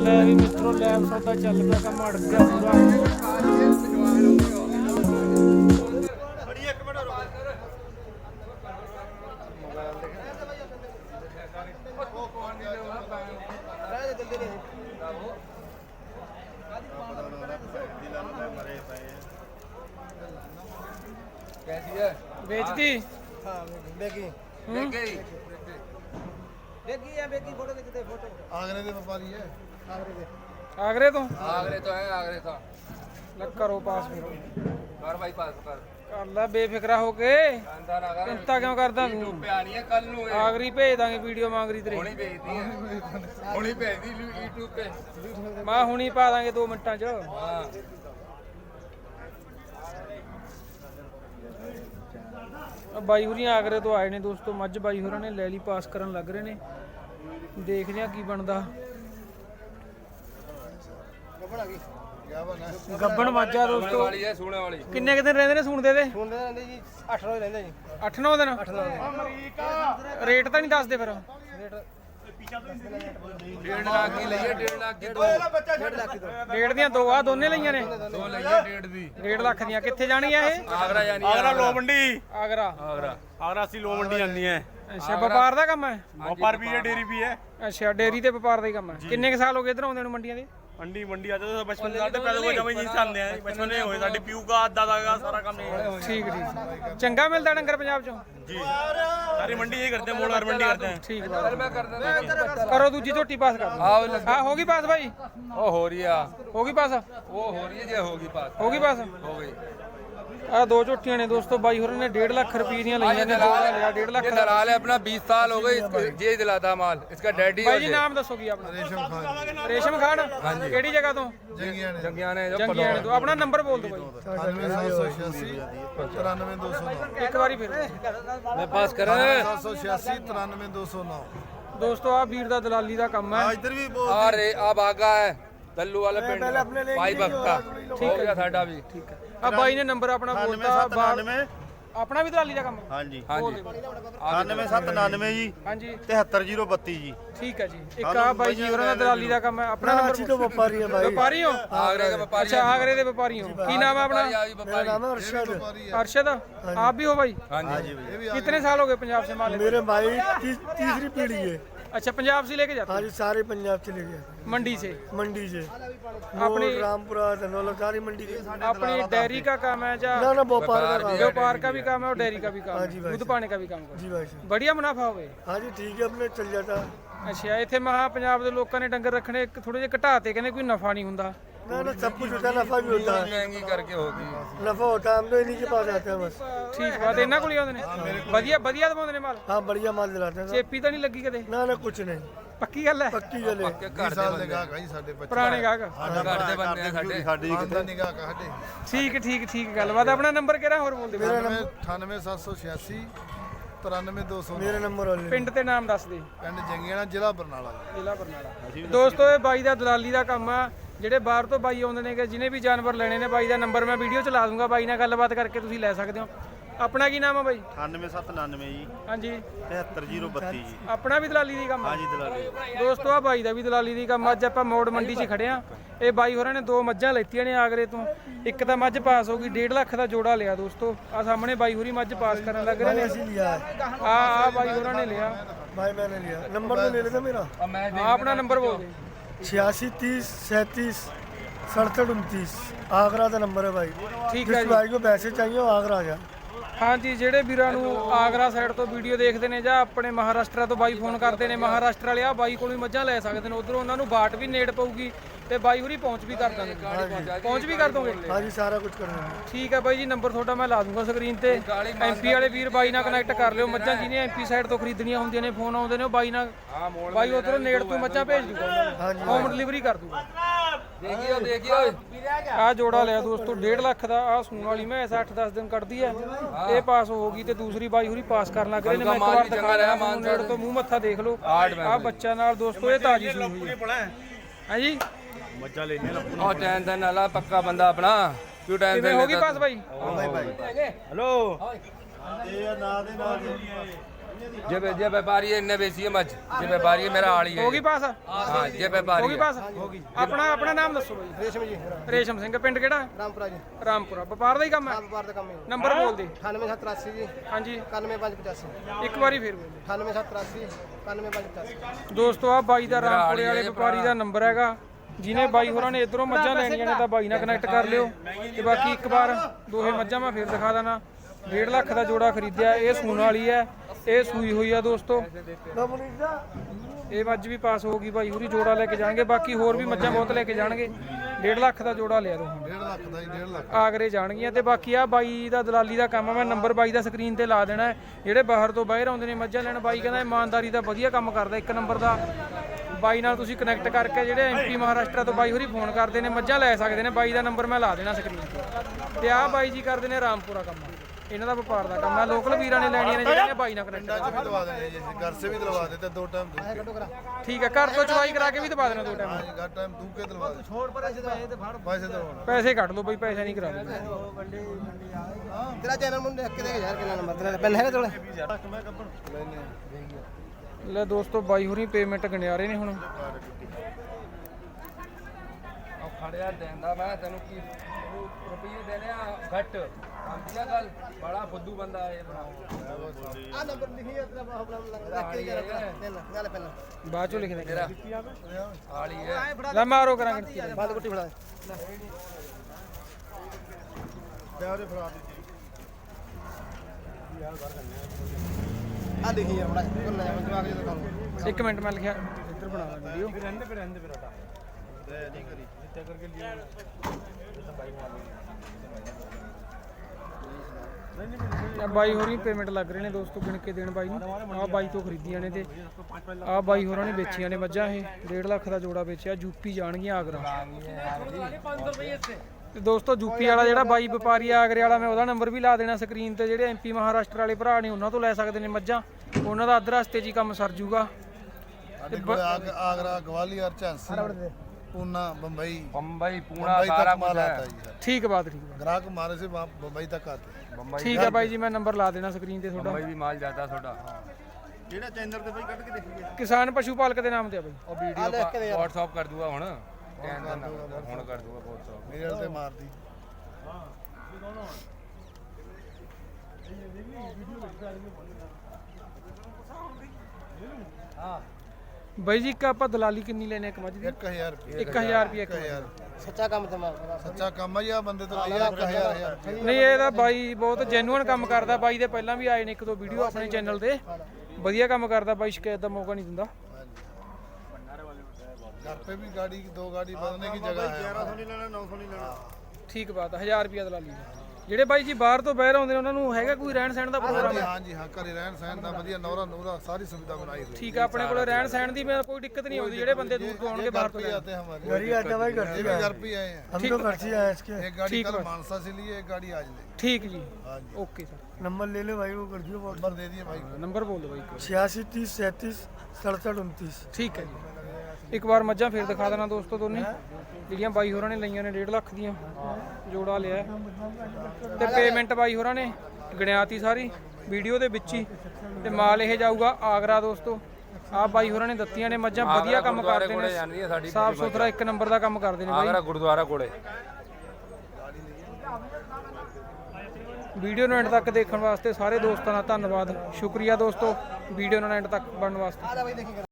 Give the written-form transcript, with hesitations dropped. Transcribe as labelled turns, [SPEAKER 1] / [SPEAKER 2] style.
[SPEAKER 1] ਲੈ ਵੀ ਮਿੱਤਰੋ ਲੈਬ ਸੌਦਾ ਚੱਲ ਪਿਆ, ਕੰਮ ਅੜ ਗਿਆ ਪੂਰਾ।
[SPEAKER 2] कैसी है?
[SPEAKER 1] बेचती
[SPEAKER 3] हाँ बेगी
[SPEAKER 2] बेगी
[SPEAKER 3] बेगी है बेगी फोटो दिखते फोटो आगरे के व्यापारी है आगरे के
[SPEAKER 1] आगरे तो
[SPEAKER 2] आगरे तो है आगरे तो
[SPEAKER 1] लग करो पास फिर
[SPEAKER 2] कर भाई पास कर
[SPEAKER 1] कर ला बेफिक्रा हो के
[SPEAKER 2] अंदर अगर
[SPEAKER 1] चिंता क्यों करदा तू
[SPEAKER 2] यूट्यूब पे आनी है कल नू
[SPEAKER 1] आगरी भेज दांगे वीडियो मांग रही तेरी
[SPEAKER 2] हुणी भेज दी है हुणी भेज दी यूट्यूब पे
[SPEAKER 1] मैं हुणी पा दांगे 2 मिनटां च।
[SPEAKER 2] हां
[SPEAKER 1] ਬਾਈ ਹੋਰੀ ਆਗਰੇ ਤੋਂ ਆਏ ਨੇ ਦੋਸਤੋ, ਮੱਝ ਬਾਈ ਹੋਰਾਂ ਨੇ ਲੈ ਲਈ, ਪਾਸ ਕਰਨ ਲੱਗ ਰਹੇ ਨੇ, ਦੇਖਦੇ ਆ ਕੀ ਬਣਦਾ। ਗੱਬਣ ਮੱਝਾ ਦੋਸਤੋ
[SPEAKER 2] वाली है सोने वाली
[SPEAKER 1] ਕਿੰਨੇ ਕੁ ਦਿਨ ਰਹਿੰਦੇ ਨੇ ਸੂਣਦੇ ਦੇ?
[SPEAKER 3] ਸੁਣਦੇ ਰਹਿੰਦੇ ਜੀ 8 ਰੋਜ਼ ਰਹਿੰਦੇ ਜੀ
[SPEAKER 1] 8-9 ਦਿਨ।
[SPEAKER 3] 8 ਰੋਜ਼
[SPEAKER 1] ਰੇਟ ਤਾਂ ਨਹੀਂ ਦੱਸਦੇ ਫਿਰ?
[SPEAKER 3] ਰੇਟ
[SPEAKER 2] 1.5 लाख की लई है 1.5 लाख की
[SPEAKER 3] 1.5 ਲੱਖ ਦੀ
[SPEAKER 1] ਰੇਟ ਦੀਆਂ ਦੋ ਆ, ਦੋਨੇ ਲਈਆਂ ਨੇ
[SPEAKER 2] दो लई है 1.5 दी
[SPEAKER 1] 1.5 ਲੱਖ ਦੀਆਂ। ਕਿੱਥੇ ਜਾਣੀਆਂ ਇਹ?
[SPEAKER 2] आगरा यानी
[SPEAKER 4] आगरा लो मंडी
[SPEAKER 1] ਆਗਰਾ।
[SPEAKER 2] आगरा
[SPEAKER 4] आगरा सी लो मंडी आनी है
[SPEAKER 1] ਅੱਛਾ, ਵਪਾਰ ਦਾ ਕੰਮ ਹੈ?
[SPEAKER 4] व्यापार भी है डेयरी भी है
[SPEAKER 1] ਅੱਛਾ, ਡੇਰੀ ਤੇ ਵਪਾਰ ਦਾ ਹੀ ਕੰਮ ਹੈ। ਕਿੰਨੇ ਕੁ ਸਾਲ ਹੋ ਗਏ ਇਧਰ ਆਉਂਦੇ ਨੂੰ ਮੰਡੀਆਂ ਦੇ?
[SPEAKER 4] मंडी मंडी आते तो बचपन से आते पहले वो जब नहीं आते हैं बचपन में होए साडी पीऊ का दादा का सारा काम नहीं है
[SPEAKER 1] ਠੀਕ ਠੀਕ। ਚੰਗਾ ਮਿਲਦਾ ਡੰਗਰ ਪੰਜਾਬ ਚੋਂ?
[SPEAKER 4] जी सारी मंडी यही करते हैं मोड़ हर मंडी करते हैं
[SPEAKER 1] ਠੀਕ
[SPEAKER 2] कल मैं कर देता
[SPEAKER 1] ਕਰੋ, ਦੂਜੀ ਝੋਟੀ ਪਾਸ ਕਰ।
[SPEAKER 2] आओ
[SPEAKER 1] ਹਾਂ ਹੋ ਗਈ ਪਾਸ ਬਾਈ?
[SPEAKER 2] ओ हो रही है
[SPEAKER 1] ਹੋ ਗਈ ਪਾਸ?
[SPEAKER 2] वो हो रही है जे होगी पास
[SPEAKER 1] ਹੋ ਗਈ ਪਾਸ?
[SPEAKER 2] हो गई
[SPEAKER 1] ਆ ਦੋ ਝੋਟੀਆਂ ਨੇ ਦੋਸਤੋ, ਬਾਈ ਹੋਰਾਂ ਨੇ 1.5 ਲੱਖ ਰੁਪਏ ਦੀਆਂ ਲਈਆਂ ਨੇ। ਦੋ ਦਾ ਲਿਆ 1.5 ਲੱਖ
[SPEAKER 2] ये
[SPEAKER 1] ਦਾ।
[SPEAKER 2] दलाल है अपना 20 साल हो गए ये दिलाता माल इसका डैडी
[SPEAKER 1] ਬਾਈ ਜੀ ਨਾਮ ਦੱਸੋ ਕੀ ਆਪਣਾ? ਰੇਸ਼ਮ ਖਾਨ। ਕਿਹੜੀ ਜਗ੍ਹਾ ਤੋਂ?
[SPEAKER 2] जंगियाने जो
[SPEAKER 1] ਜੰਗੀਆਂ ਤੋਂ। ਆਪਣਾ ਨੰਬਰ ਬੋਲ ਦਿਓ ਬਾਈ
[SPEAKER 3] 9786 93209
[SPEAKER 1] ਇੱਕ ਵਾਰੀ ਫਿਰ।
[SPEAKER 2] मैं पास कर
[SPEAKER 3] 786 93209
[SPEAKER 1] ਦੋਸਤੋ ਆ ਵੀਰ ਦਾ ਦਲਾਲੀ ਦਾ ਕੰਮ ਹੈ।
[SPEAKER 3] इधर भी
[SPEAKER 2] अरे अब आगा है दल्लू वाले पिंड भाई भक्ता हो गया साडा भी
[SPEAKER 1] ਠੀਕ ਹੈ। ਆ ਬਾਈ ਨੇ ਨੰਬਰ ਆਪਣਾ ਬੋਲਤਾ। ਆਪਣਾ ਵੀ ਦਲਾਲੀ ਦਾ ਕੰਮ ਹੈ?
[SPEAKER 3] हाँ जी
[SPEAKER 2] हाँ जी
[SPEAKER 3] 9799 जी
[SPEAKER 1] ਹਾਂਜੀ
[SPEAKER 3] 73032 जी
[SPEAKER 1] ਠੀਕ ਹੈ ਜੀ। ਇੱਕ ਆ ਬਾਈ ਜੀ ਹੋਰਾਂ ਦਾ ਦਲਾਲੀ ਦਾ ਕੰਮ ਹੈ। ਆਪਣਾ ਨੰਬਰ
[SPEAKER 3] व्यापारी है
[SPEAKER 1] ਵਪਾਰੀ ਹੋ?
[SPEAKER 2] आगरे का व्यापारी
[SPEAKER 1] ਅੱਛਾ, ਆਗਰੇ ਦੇ ਵਪਾਰੀ ਹੋ। ਕੀ ਨਾਮ ਹੈ ਆਪਣਾ?
[SPEAKER 2] व्यापारी
[SPEAKER 3] है अरशद
[SPEAKER 1] अरशद। आप भी हो भाई?
[SPEAKER 2] हाँ जी
[SPEAKER 1] कितने साल हो गए पंजाब से माल लेते?
[SPEAKER 3] मेरे भाई तीसरी पीढ़ी है
[SPEAKER 1] अच्छा, पंजाब से लेके जाते
[SPEAKER 3] हाँ जी सारे पंजाब चले गए
[SPEAKER 1] हो? मंडी से?
[SPEAKER 3] मंडी से
[SPEAKER 1] अपनी
[SPEAKER 3] रामपुरा धनौला सारी मंडी के
[SPEAKER 1] अपनी डेयरी का काम है या
[SPEAKER 3] ना ना व्यापार का काम है।
[SPEAKER 1] व्यापार का भी काम है और डेयरी का भी काम
[SPEAKER 3] हाँ
[SPEAKER 1] है,
[SPEAKER 3] जी भाई
[SPEAKER 1] दूध पाने का भी काम
[SPEAKER 3] जी
[SPEAKER 1] है?
[SPEAKER 3] भाई साहब
[SPEAKER 1] बढ़िया मुनाफा हो गए?
[SPEAKER 3] हाँ जी ठीक है अपने चल जाता
[SPEAKER 1] ਅੱਛਾ, ਇੱਥੇ ਮਹਾ ਪੰਜਾਬ ਦੇ ਲੋਕਾਂ ਨੇ ਡੰਗਰ ਰੱਖਣੇ ਥੋੜੇ ਜਿਹੇ ਘਟਾਤੇ, ਕਹਿੰਦੇ ਕੋਈ ਨਫਾ ਨਹੀਂ ਹੁੰਦਾ।
[SPEAKER 3] ना ना सब कुछ होता है नफा भी होता है
[SPEAKER 2] महंगी करके होगी
[SPEAKER 3] नफा होता है हम तो इन्हीं के पास आते हैं बस
[SPEAKER 1] ਠੀਕ ਬਾਤ। ਇਹਨਾਂ ਕੋਲ ਹੀ ਆਉਂਦੇ ਨੇ? ਵਧੀਆ ਵਧੀਆ ਦਵਾਉਂਦੇ ਨੇ ਮਾਲ?
[SPEAKER 3] हाँ बढ़िया माल दिलाते हैं
[SPEAKER 1] ਚੇਪੀ ਤਾਂ ਨਹੀਂ ਲੱਗੀ ਕਦੇ?
[SPEAKER 3] ना ना कुछ नहीं
[SPEAKER 1] ਪੱਕੀ ਗੱਲ ਹੈ?
[SPEAKER 3] पक्की गल है
[SPEAKER 2] घर दे बंदे
[SPEAKER 1] ਪੁਰਾਣੇ ਗਾਹਕ।
[SPEAKER 2] घर दे बंदे हैं साडे
[SPEAKER 1] ਠੀਕ ਠੀਕ ਠੀਕ ਗੱਲਬਾਤ। ਆਪਣਾ ਨੰਬਰ ਕਿਹੜਾ ਹੋਰ ਬੋਲ ਦੇ?
[SPEAKER 3] मेरा नंबर 98786 93200 मेरा नंबर वाले
[SPEAKER 1] ਪਿੰਡ ਤੇ ਨਾਮ ਦੱਸ ਦੇ।
[SPEAKER 3] पिंड जंगियाना जिला बरनाला
[SPEAKER 1] ਜ਼ਿਲ੍ਹਾ ਬਰਨਾਲਾ। ਦੋਸਤੋ ਇਹ ਬਾਈ ਦਾ ਦਲਾਲੀ ਦਾ ਕੰਮ ਆ। ਜਿਹੜੇ ਬਾਹਰ ਤੋਂ ਬਾਈ ਆਉਂਦੇ ਨੇ, ਕਿ ਜਿਹਨੇ ਵੀ ਜਾਨਵਰ ਲੈਣੇ ਨੇ, ਬਾਈ ਦਾ ਨੰਬਰ ਮੈਂ ਵੀਡੀਓ ਚ ਲਾ ਦੂੰਗਾ, ਬਾਈ ਨਾਲ ਗੱਲਬਾਤ ਕਰਕੇ ਤੁਸੀਂ ਲੈ ਸਕਦੇ ਹੋ। ਆਪਣਾ ਕੀ ਨਾਮ ਆ ਬਾਈ?
[SPEAKER 3] 98799 जी
[SPEAKER 1] ਹਾਂਜੀ
[SPEAKER 3] 73032 जी
[SPEAKER 1] ਆਪਣਾ ਵੀ ਦਲਾਲੀ ਦੀ ਕੰਮ ਆ?
[SPEAKER 3] हाँ जी दलाली
[SPEAKER 1] ਦੋਸਤੋ ਆ ਬਾਈ ਦਾ ਵੀ ਦਲਾਲੀ ਦੀ ਕੰਮ। ਅੱਜ ਆਪਾਂ ਮੋੜ ਮੰਡੀ 'ਚ ਖੜੇ ਆ। ਇਹ ਬਾਈ ਹੋਰਾਂ ਨੇ 2 ਮੱਝਾਂ ਲੈਤੀਆਂ ਨੇ ਆਗਰੇ ਤੋਂ। ਇੱਕ ਤਾਂ ਮੱਝ ਪਾਸ ਹੋ ਗਈ, 1.5 ਲੱਖ ਦਾ ਜੋੜਾ ਲਿਆ ਦੋਸਤੋ। ਆ ਸਾਹਮਣੇ ਬਾਈ ਹੋਰੀ ਮੱਝ ਪਾਸ ਕਰਨ ਲੱਗ ਰਹੇ ਨੇ।
[SPEAKER 3] ऐसे लिया है
[SPEAKER 1] ਆ ਬਾਈ ਹੋਰਾਂ ਨੇ ਲਿਆ।
[SPEAKER 3] भाई मैंने लिया नंबर तो ले लेता मेरा
[SPEAKER 2] अब मैं
[SPEAKER 1] ਆ ਆਪਣਾ ਨੰਬਰ ਬੋਲ ਦੇ।
[SPEAKER 3] 86 30 37 67 29 आगरा का नंबर है भाई
[SPEAKER 1] ਠੀਕ ਹੈ
[SPEAKER 3] जिस
[SPEAKER 1] ਜੀ।
[SPEAKER 3] भाई को पैसे चाहिए वो आगरा आ जा
[SPEAKER 1] ਹਾਂਜੀ, ਜਿਹੜੇ ਵੀਰਾਂ ਨੂੰ ਆਗਰਾ ਸਾਈਡ ਤੋਂ ਵੀਡੀਓ ਦੇਖਦੇ ਨੇ ਜਾਂ ਆਪਣੇ ਮਹਾਰਾਸ਼ਟਰ ਤੋਂ ਬਾਈ ਫੋਨ ਕਰਦੇ ਨੇ, ਮਹਾਰਾਸ਼ਟਰ ਵਾਲੇ ਆ ਬਾਈ ਕੋਲੋਂ ਹੀ ਮੱਝਾਂ ਲੈ ਸਕਦੇ ਨੇ। ਉਧਰੋਂ ਉਹਨਾਂ ਨੂੰ ਬਾਟ ਵੀ ਨੇੜ ਪਊਗੀ ਤੇ ਬਾਈ ਹੋਰੀ ਪਹੁੰਚ ਵੀ ਕਰ ਦਾਂਗੇ। ਪਹੁੰਚ ਵੀ ਕਰ ਦੋਗੇ?
[SPEAKER 3] हाँ जी सारा कुछ कर देंगे
[SPEAKER 1] ਠੀਕ ਹੈ ਬਾਈ ਜੀ, ਨੰਬਰ ਤੁਹਾਡਾ ਮੈਂ ਲਾ ਦੂੰਗਾ ਸਕਰੀਨ ਤੇ। ਐਮਪੀ ਵਾਲੇ ਵੀਰ ਬਾਈ ਨਾਲ ਕਨੈਕਟ ਕਰ ਲਿਓ। ਮੱਝਾਂ ਜਿਹਨੇ ਐਮਪੀ ਸਾਈਡ ਤੋਂ ਖਰੀਦਣੀਆਂ ਹੁੰਦੀਆਂ ਨੇ, ਫੋਨ ਆਉਂਦੇ ਨੇ, ਉਹ ਬਾਈ ਨਾਲ ਬਾਈ ਉਧਰੋਂ ਨੇੜ ਤੋਂ ਮੱਝਾਂ ਭੇਜ ਦੂਗਾ, ਹੋਮ ਡਿਲੀਵਰੀ ਕਰ ਦੂਗਾ।
[SPEAKER 2] देखियो देखियो
[SPEAKER 1] ਆ ਜੋੜਾ ਲਿਆ ਦੋਸਤੋ 1.5 ਲੱਖ ਦਾ। ਆ ਸੂਣ ਵਾਲੀ ਮੈਂ 8-10 ਦਿਨ ਕੱਢਦੀ ਹੈ, ਇਹ ਪਾਸ ਹੋ ਗਈ ਤੇ ਦੂਸਰੀ ਬਾਈ ਹੋਰੀ ਪਾਸ ਕਰਨ ਲੱਗ ਰਹੇ ਨੇ। ਮੈਂ ਇੱਕ ਵਾਰ ਦਿਖਾ ਰਿਹਾ ਨੇੜ ਤੋਂ, ਮੂੰਹ ਮੱਥਾ ਦੇਖ ਲਓ। ਆ ਬੱਚਾ ਨਾਲ ਦੋਸਤੋ ਇਹ ਤਾਜੀ ਸੂਈ ਹੋਈ ਹੈ। ਹਾਂਜੀ
[SPEAKER 4] मज्जा लेने
[SPEAKER 2] और टेंशन वाला पक्का बंदा अपना क्यों
[SPEAKER 1] ਕਿਵੇਂ
[SPEAKER 2] टेंशन
[SPEAKER 1] ਹੋ ਗਈ ਪਾਸ ਬਾਈ?
[SPEAKER 4] हेलो
[SPEAKER 3] ये ना दे
[SPEAKER 2] ये व्यापारी है इनने बेची है मच ये व्यापारी है मेरा आड़ी है
[SPEAKER 1] ਹੋ ਗਈ ਪਾਸ
[SPEAKER 2] हाँ ये
[SPEAKER 1] ਹੋ
[SPEAKER 2] व्यापारी
[SPEAKER 1] ਗਈ
[SPEAKER 2] है
[SPEAKER 1] ਪਾਸ ਆਪਣਾ ਨਾਮ ਦੱਸੋ ਬਾਈ
[SPEAKER 3] ਰੇਸ਼ਮ ਜੀ
[SPEAKER 1] ਰੇਸ਼ਮ ਸਿੰਘ ਪਿੰਡ ਕਿਹੜਾ
[SPEAKER 3] ਰਾਮਪੁਰਾ ਜੀ
[SPEAKER 1] ਰਾਮਪੁਰਾ ਵਪਾਰ ਦਾ ਹੀ ਕੰਮ ਹੈ
[SPEAKER 3] ਵਪਾਰ ਦਾ ਕੰਮ ਹੈ
[SPEAKER 1] ਨੰਬਰ ਬੋਲ ਦੇ
[SPEAKER 3] 98783 ਜੀ
[SPEAKER 1] ਹਾਂਜੀ
[SPEAKER 3] 91585
[SPEAKER 1] ਇੱਕ ਵਾਰੀ ਫੇਰ ਬੋਲ
[SPEAKER 3] 98783 91585
[SPEAKER 1] ਦੋਸਤੋ ਆ ਬਾਈ ਦਾ ਰਾਮਪੁਰੇ ਵਾਲੇ ਵਪਾਰੀ ਦਾ ਨੰਬਰ ਹੈਗਾ ਜਿਹਨੇ ਬਾਈ ਹੋਰਾਂ ਨੇ ਇਧਰੋਂ ਮੱਝਾਂ ਲੈਣੀਆਂ ਨੇ ਤਾਂ ਬਾਈ ਨਾਲ ਕਨੈਕਟ ਕਰ ਲਿਓ ਤੇ ਬਾਕੀ ਇੱਕ ਵਾਰ ਦੋਹੇ ਮੱਝਾਂ ਮੈਂ ਫੇਰ ਦਿਖਾ ਦੇਣਾ 1.5 ਲੱਖ ਦਾ ਜੋੜਾ ਖਰੀਦਿਆ ਇਹ ਸੂਣ ਵਾਲੀ ਹੈ ਇਹ ਸੂਈ ਹੋਈ ਆ ਦੋਸਤੋ ਇਹ ਮੱਝ ਵੀ ਪਾਸ ਹੋ ਗਈ ਬਾਈ ਹੋਰੀ ਜੋੜਾ ਲੈ ਕੇ ਜਾਣਗੇ ਬਾਕੀ ਹੋਰ ਵੀ ਮੱਝਾਂ ਬਹੁਤ ਲੈ ਕੇ ਜਾਣਗੇ 1.5 ਲੱਖ ਦਾ ਜੋੜਾ ਲਿਆ ਦੋ
[SPEAKER 3] 1.5 ਲੱਖ ਦਾ ਜੀ 1.5 ਲੱਖ
[SPEAKER 1] ਆਗਰੇ ਜਾਣਗੀਆਂ ਤੇ ਬਾਕੀ ਆ ਬਾਈ ਦਾ ਦਲਾਲੀ ਦਾ ਕੰਮ ਆ ਮੈਂ ਨੰਬਰ ਬਾਈ ਦਾ ਸਕਰੀਨ ਤੇ ਲਾ ਦੇਣਾ ਹੈ ਜਿਹੜੇ ਬਾਹਰ ਤੋਂ ਬਾਹਰ ਆਉਂਦੇ ਨੇ ਮੱਝਾਂ ਲੈਣ ਬਾਈ ਕਹਿੰਦਾ ਇਮਾਨਦਾਰੀ ਦਾ ਵਧੀਆ ਕੰਮ ਕਰਦਾ ਇੱਕ ਨੰਬਰ ਦਾ ਬਾਈ ਨਾਲ ਤੁਸੀਂ ਕਨੈਕਟ ਕਰਕੇ ਜਿਹੜੇ ਐਮਪੀ ਮਹਾਰਾਸ਼ਟਰ ਤੋਂ ਬਾਈ ਹੋਰੀ ਫੋਨ ਕਰਦੇ ਨੇ ਮੱਝਾਂ ਲੈ ਸਕਦੇ ਨੇ ਬਾਈ ਦਾ ਨੰਬਰ ਮੈਂ ਲਾ ਦੇਣਾ ਸਕਰੀਨ ਤੇ ਆਹ ਬਾਈ ਜੀ ਕਰਦੇ ਨੇ ਰਾਮਪੁਰਾ ਕੰਮ ਇਹਨਾਂ ਦਾ ਵਪਾਰ ਦਾ ਕੰਮ ਹੈ ਲੋਕਲ ਵੀਰਾਂ ਨੇ ਲੈਣੀਆਂ ਨੇ ਜਿਹੜੀਆਂ ਬਾਈ ਨਾਲ ਕਨੈਕਟ
[SPEAKER 3] भी दलवा देंगे जी घर से भी दलवा देते 2 टाइम
[SPEAKER 1] ਠੀਕ ਹੈ ਘਰ ਤੋਂ ਚਵਾਈ ਕਰਾ ਕੇ ਵੀ ਦਵਾ ਦੇਣਾ 2 ਟਾਈਮ
[SPEAKER 3] हाँ जी घर टाइम दूध के दलवा दे छोड़ पर ऐसे दलवाना
[SPEAKER 1] ਪੈਸੇ ਕੱਢ ਲਓ ਬਾਈ ਪੈਸੇ ਨਹੀਂ ਕਰਾ ਲਓ
[SPEAKER 3] तेरा चैनल मुंडे के देखे यार कितना नंबर तेरा पेन है तोड़े
[SPEAKER 1] ਲੈ ਦੋਸਤੋ ਬਾਈ ਹੋਰੀ ਪੇਮੈਂਟ ਗਿਣਿਆ ਰਹੇ ਨੇ ਹੁਣ
[SPEAKER 2] खड़िया देंदा मैं तेन की रुपये देने घट समझिया गल बड़ा फुद्दू बंदा है ये
[SPEAKER 3] आ नंबर लिखी है तेरा प्रॉब्लम लग के जरा पेन गाले पेन
[SPEAKER 1] ਬਾਅਦ ਚੋਂ ਲਿਖ ਦੇ
[SPEAKER 2] मेरा आड़ी है
[SPEAKER 1] ਲੈ ਮਾਰੋ ਕਰਾਂ ਗਿਣਤੀ
[SPEAKER 3] बाल गुट्टी फड़ा प्यारे फड़ा आ देखिए यार बड़ा कौन ना जवाब दे दो
[SPEAKER 1] ਇੱਕ ਮਿੰਟ ਮੈਂ ਲਿਖਿਆ ਇੱਧਰ ਬਣਾ ਲਾ ਵੀਡੀਓ
[SPEAKER 3] नहीं करी जितना करके लिया
[SPEAKER 1] ਆ ਬਾਈ ਹੋਰੀ ਪੇਮੈਂਟ ਲੱਗ ਰਹੇ ਨੇ ਦੋਸਤੋ ਗਿਣ ਕੇ ਦੇਣ ਬਾਈ ਨੂੰ ਆ ਬਾਈ ਤੋਂ ਖਰੀਦੀਆਂ ਨੇ ਤੇ ਆ ਬਾਈ ਹੋਰਾਂ ਨੇ ਵੇਚੀਆਂ ਨੇ ਮੱਝਾਂ ਇਹ 1.5 ਲੱਖ ਦਾ ਜੋੜਾ ਵੇਚਿਆ ਯੂਪੀ ਜਾਣਗੀਆਂ ਆਗਰਾ ਤੇ ਦੋਸਤੋ ਯੂਪੀ ਵਾਲਾ ਜਿਹੜਾ ਬਾਈ ਵਪਾਰੀ ਆ ਆਗਰੇ ਵਾਲਾ ਮੈਂ ਉਹਦਾ ਨੰਬਰ ਵੀ ਲਾ ਦੇਣਾ ਸਕਰੀਨ ਤੇ ਜਿਹੜੇ ਐਮਪੀ ਮਹਾਰਾਸ਼ਟਰ ਵਾਲੇ ਭਰਾ ਨੇ ਉਹਨਾਂ ਤੋਂ ਲੈ ਸਕਦੇ ਨੇ ਮੱਝਾਂ ਉਹਨਾਂ ਦਾ ਅੱਧ ਰਸਤੇ 'ਚ ਹੀ ਕੰਮ ਸਰ ਜੂਗਾ
[SPEAKER 3] आगरा ग्वालियर झांसी पूना बम्बई
[SPEAKER 2] बम्बई पूना
[SPEAKER 3] मुंबई
[SPEAKER 2] सारा
[SPEAKER 3] तक माल
[SPEAKER 2] कुछ
[SPEAKER 3] आता
[SPEAKER 2] है
[SPEAKER 3] है जी
[SPEAKER 1] ਠੀਕ ਬਾਤ ਠੀਕ ਬਾਤ
[SPEAKER 3] ग्राहक हमारे से वहाँ बम्बई तक आते हैं
[SPEAKER 2] बम्बई
[SPEAKER 1] ਠੀਕ ਹੈ ਬਾਈ ਜੀ ਮੈਂ ਨੰਬਰ ਲਾ ਦੇਣਾ ਸਕਰੀਨ ਤੇ ਤੁਹਾਡਾ
[SPEAKER 2] बम्बई भी माल जाता थोड़ा
[SPEAKER 3] जेड़ा चैनल ते भाई कट के देखिए
[SPEAKER 1] ਕਿਸਾਨ ਪਸ਼ੂ ਪਾਲਕ ਦੇ ਨਾਮ ਤੇ ਆ ਬਾਈ
[SPEAKER 2] और वीडियो व्हाट्सएप कर दूंगा हुन हुन कर दूंगा व्हाट्सएप
[SPEAKER 3] मेरे वाले मार दी
[SPEAKER 1] ਬਾਈ ਜੀ ਇੱਕ ਆਪਾਂ ਦਲਾਲੀ ਕਿੰਨੀ ਲੈਣੇ ਇੱਕ ਮੱਝ ਦੀ
[SPEAKER 3] 1000 रुपये
[SPEAKER 1] 1000 ਰੁਪਏ ਇੱਕ
[SPEAKER 3] 1000
[SPEAKER 5] ਸੱਚਾ ਕੰਮ ਤੇ ਮਾਰ
[SPEAKER 3] सच्चा काम है या बंदे तो लिया 1000
[SPEAKER 1] ਨਹੀਂ ਇਹਦਾ ਬਾਈ ਬਹੁਤ ਜੈਨੂਅਨ ਕੰਮ ਕਰਦਾ ਬਾਈ ਦੇ ਪਹਿਲਾਂ ਵੀ ਆਏ ਨੇ ਇੱਕ ਦੋ ਵੀਡੀਓ ਆਪਣੇ ਚੈਨਲ ਤੇ ਵਧੀਆ ਕੰਮ ਕਰਦਾ ਬਾਈ ਸ਼ਿਕਾਇਤ ਦਾ ਮੌਕਾ ਨਹੀਂ ਦਿੰਦਾ
[SPEAKER 3] घर पे भी गाड़ी 2 गाड़ी बदलने की जगह है 1100 नहीं लेना 900 नहीं लेना
[SPEAKER 1] ਠੀਕ ਬਾਤ 1000 ਰੁਪਏ ਦਲਾਲੀ ਦਾ। ਜਿਹੜੇ ਬਾਈ ਜੀ ਬਾਹਰ ਤੋਂ ਬਾਹਰ ਆਉਂਦੇ ਨੇ ਉਹਨਾਂ ਨੂੰ ਹੈਗਾ ਕੋਈ ਰਹਿਣ ਸਹਿਣ ਦਾ ਪ੍ਰੋਗਰਾਮ
[SPEAKER 3] हाँ जी हाँ घरे रहन सहन दा बढ़िया नौरा नूरा सारी सुविधा बनाई हुई
[SPEAKER 1] ਠੀਕ ਆ ਆਪਣੇ ਕੋਲ ਰਹਿਣ ਸਹਿਣ ਦੀ ਮੈਂ ਕੋਈ ਦਿੱਕਤ ਨਹੀਂ ਆਉਂਦੀ ਜਿਹੜੇ ਬੰਦੇ ਦੂਰ ਤੋਂ ਆਉਣਗੇ ਬਾਹਰ ਤੋਂ
[SPEAKER 3] पे आते हैं हमारे घर ही आते भाई घर से घर पे आए हैं
[SPEAKER 1] हम तो घर से आए इसके
[SPEAKER 3] एक गाड़ी कल मानसा से लिए एक गाड़ी आज ले
[SPEAKER 1] ਠੀਕ ਜੀ
[SPEAKER 3] हाँ जी
[SPEAKER 1] ਓਕੇ ਸਰ
[SPEAKER 5] ਨੰਬਰ ਲੈ ਲੈ ਭਾਈ ਉਹ ਕਰ ਦਿਓ
[SPEAKER 3] नंबर दे दिए भाई
[SPEAKER 1] ਨੰਬਰ ਬੋਲ ਦਿਓ ਬਾਈ
[SPEAKER 5] 86 30 37 67 29
[SPEAKER 1] ਠੀਕ ਹੈ ਜੀ ਇੱਕ ਵਾਰ ਮੱਝਾਂ ਫੇਰ ਦਿਖਾ ਦੇਣਾ ਦੋਸਤੋ ਦੋਨੇ ਜਿਹੜੀਆਂ ਬਾਈ ਹੋਰਾਂ ਨੇ ਲਈਆਂ ਨੇ 1.5 ਲੱਖ ਦੀਆਂ ਜੋੜਾ ਲਿਆ ਤੇ ਪੇਮੈਂਟ ਬਾਈ ਹੋਰਾਂ ਨੇ ਗਣਿਆਤੀ ਸਾਰੀ ਵੀਡੀਓ ਦੇ ਵਿੱਚ ਹੀ ਤੇ ਮਾਲ ਇਹ ਜਾਊਗਾ ਆਗਰਾ ਦੋਸਤੋ ਆ ਬਾਈ ਹੋਰਾਂ ਨੇ ਦਿੱਤੀਆਂ ਨੇ ਮੱਝਾਂ ਵਧੀਆ ਕੰਮ ਕਰਦੇ ਨੇ ਸਾਫ ਸੁਥਰਾ ਇੱਕ ਨੰਬਰ ਦਾ ਕੰਮ ਕਰਦੇ ਨੇ ਬਾਈ
[SPEAKER 2] आगरा गुरुद्वारा कोड़े
[SPEAKER 1] ਵੀਡੀਓ ਨੂੰ ਐਂਡ ਤੱਕ ਦੇਖਣ ਵਾਸਤੇ ਸਾਰੇ ਦੋਸਤਾਂ ਦਾ ਧੰਨਵਾਦ ਸ਼ੁਕਰੀਆ ਦੋਸਤੋ ਵੀਡੀਓ ਨੂੰ ਐਂਡ ਤੱਕ ਬਣਨ ਵਾਸਤੇ